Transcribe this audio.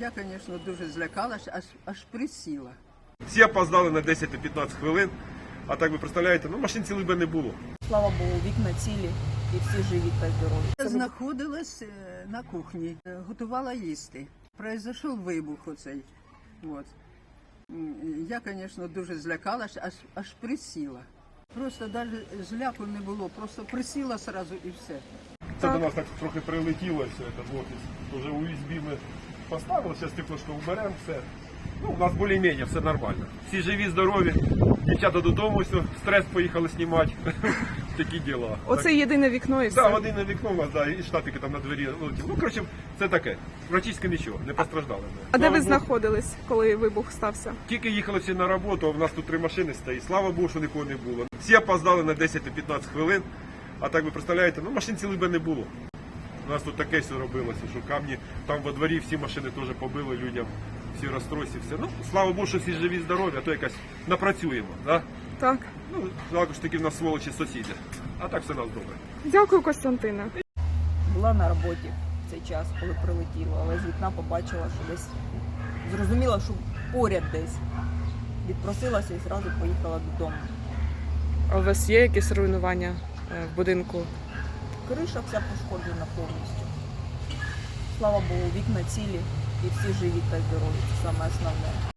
Я, звісно, дуже злякалась, аж присіла. Всі опоздали на 10-15 хвилин, а так ви представляєте, машин цілий би не було. Слава Богу, вікна цілі і всі живі та здорові. Я знаходилась на кухні, готувала їсти. Произошов вибух оцей. От. Я, звісно, дуже злякалась, аж присіла. Просто навіть зляку не було, просто присіла одразу і все. Це до нас так трохи прилетіло, все це в офіс. Вже USB ми поставили, зараз теплошко вберемо, все. У нас більш-менш все нормально. Всі живі, здорові, дівчата додому, все, стрес поїхали знімати. Такі діла. Оце єдине вікно і все? Так, один на вікно у нас, і штатики там на двері летіли. Коротше, це таке. Практично нічого, не постраждали. А де Слава ви Богу. знаходились, коли вибух стався? Тільки їхали всі на роботу, а в нас тут 3 машини стоїть. Слава Богу, що нікого не було. Всі опоздали на 10-15 хвилин, а так ви представляєте, машин цілий би не було. У нас тут таке все робилося, що камні там во дворі всі машини теж побили людям, всі розстройці, все. Слава Богу, що всі живі, здорові, а то якось напрацюємо. Да? Так. Також таки в нас сволочі сусіди. А так все у нас добре. Дякую, Костянтине. Була на роботі в цей час, коли прилетіло, але з вікна побачила, що десь зрозуміла, що поряд десь. Відпросилася і одразу поїхала додому. А у вас є якісь руйнування в будинку? Криша вся пошкоджена повністю. Слава Богу, вікна цілі і всі живі та здорові. Це саме основне.